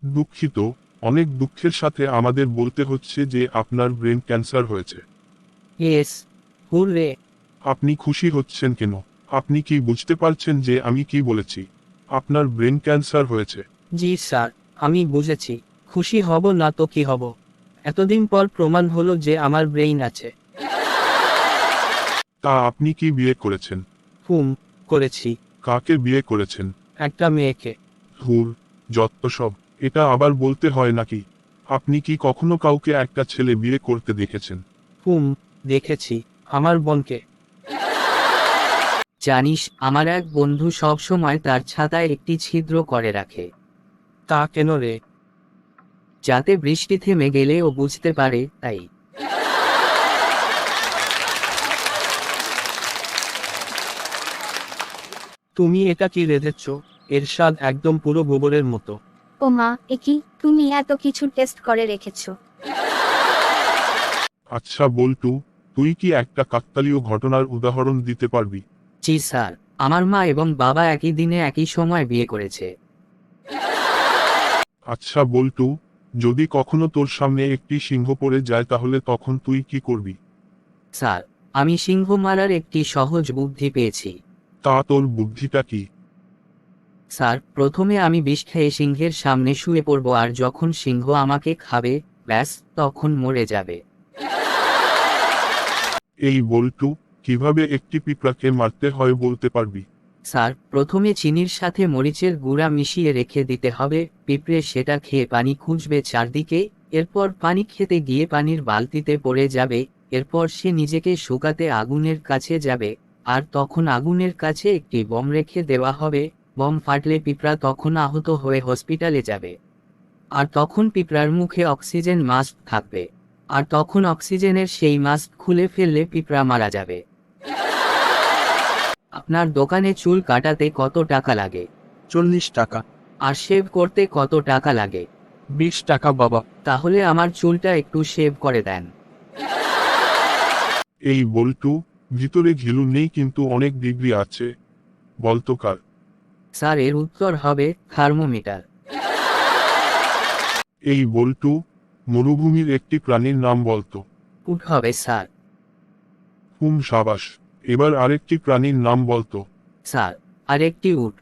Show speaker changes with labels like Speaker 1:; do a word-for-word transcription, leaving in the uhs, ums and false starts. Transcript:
Speaker 1: দুঃখিত, অনেক দুঃখের সাথে আমাদের বলতে হচ্ছে যে আপনার ব্রেন ক্যান্সার হয়েছে।
Speaker 2: Yes, hooray.
Speaker 1: আপনি খুশি হচ্ছেন কেন? আপনি কি বুঝতে পারছেন যে আমি কি বলেছি? আপনার ব্রেন ক্যান্সার হয়েছে।
Speaker 2: জি স্যার, আমি বুঝেছি। খুশি হব না তো কি হব? এতদিন পর প্রমাণ হলো যে আমার ব্রেইন আছে।
Speaker 1: তা আপনি কি বিয়ে করেছেন?
Speaker 2: হুম, করেছি।
Speaker 1: কাকে বিয়ে করেছেন?
Speaker 2: একটা মেয়েকে।
Speaker 1: ধুর, যত সব। এটা আবার বলতে হয় নাকি? আপনি কি কখনো কাউকে একটা ছেলে বিয়ে করতে দেখেছেন?
Speaker 2: হুম, দেখেছি। আমার বোনকে। জানিস, আমার এক বন্ধু সব সময় তার ছাতায় একটি ছিদ্র করে রাখে। তা কেন রে? যাতে বৃষ্টি থেমে গেলে ও বুঝতে পারে, তাই। তুমি এটা কি রেঁধেছ? এর স্বাদ একদম পুরো গোবরের মতো।
Speaker 3: ও মা, এ কি, তুমি এত কিছু টেস্ট করে রেখেছো?
Speaker 1: আচ্ছা বল্টু, তুই কি একটা কাকতালীয় ঘটনার উদাহরণ দিতে পারবি?
Speaker 2: জি স্যার, আমার মা এবং বাবা একই দিনে একই সময় বিয়ে করেছে।
Speaker 1: আচ্ছা বল্টু, যদি কখনো তোর সামনে একটি সিংহ পড়ে যায় তাহলে তখন তুই কি করবি?
Speaker 2: স্যার, আমি সিংহ মারার একটি সহজ বুদ্ধি পেয়েছি।
Speaker 1: তা তোর বুদ্ধিটা কি?
Speaker 2: স্যার, প্রথমে আমি বিষ খেয়ে সিংহের সামনে শুয়ে পড়ব, আর যখন সিংহ আমাকে খাবে, ব্যাস, তখন মরে যাবে।
Speaker 1: এই বল্টু, কিভাবে একটি পিঁপড়াকে মারতে হয় বলতে পারবি?
Speaker 2: স্যার, প্রথমে চিনির সাথে মরিচের গুঁড়া মিশিয়ে রেখে দিতে হবে, পিঁপড়ে সেটা খেয়ে পানি খুঁজবে চারদিকে, এরপর পানি খেতে গিয়ে পানির বালতিতে পড়ে যাবে, এরপর সে নিজেকে শুকাতে আগুনের কাছে যাবে, আর তখন আগুনের কাছে একটি বম রেখে দেওয়া হবে, বম ফাটলে পিঁপড়া তখন আহত হয়ে হসপিটালে যাবে। আর তখন পিঁপড়ার মুখে অক্সিজেন মাস্ক থাকবে, আর তখন অক্সিজেনের সেই মাস্ক খুলে ফেললে পিঁপড়া মারা যাবে। আপনার দোকানে চুল কাটাতে কত টাকা লাগে?
Speaker 4: চল্লিশ টাকা।
Speaker 2: আর শেভ করতে কত টাকা লাগে?
Speaker 4: বিশ টাকা বাবা।
Speaker 2: তাহলে আমার চুলটা একটু শেভ করে দেন।
Speaker 1: এই বল্টু, ভিতরে ঘিলু নেই কিন্তু অনেক ডিগ্রি আছে। বলতো কার?
Speaker 2: স্যার, এর উত্তর হবে থার্মোমিটার।
Speaker 1: এই বল্টু, মরুভূমির একটি প্রাণীর নাম বলতো।
Speaker 2: উট হবে স্যার।
Speaker 1: হুম সাবাস। এবার আরেকটি প্রাণীর নাম বলতো।
Speaker 2: স্যার, আরেকটি উট।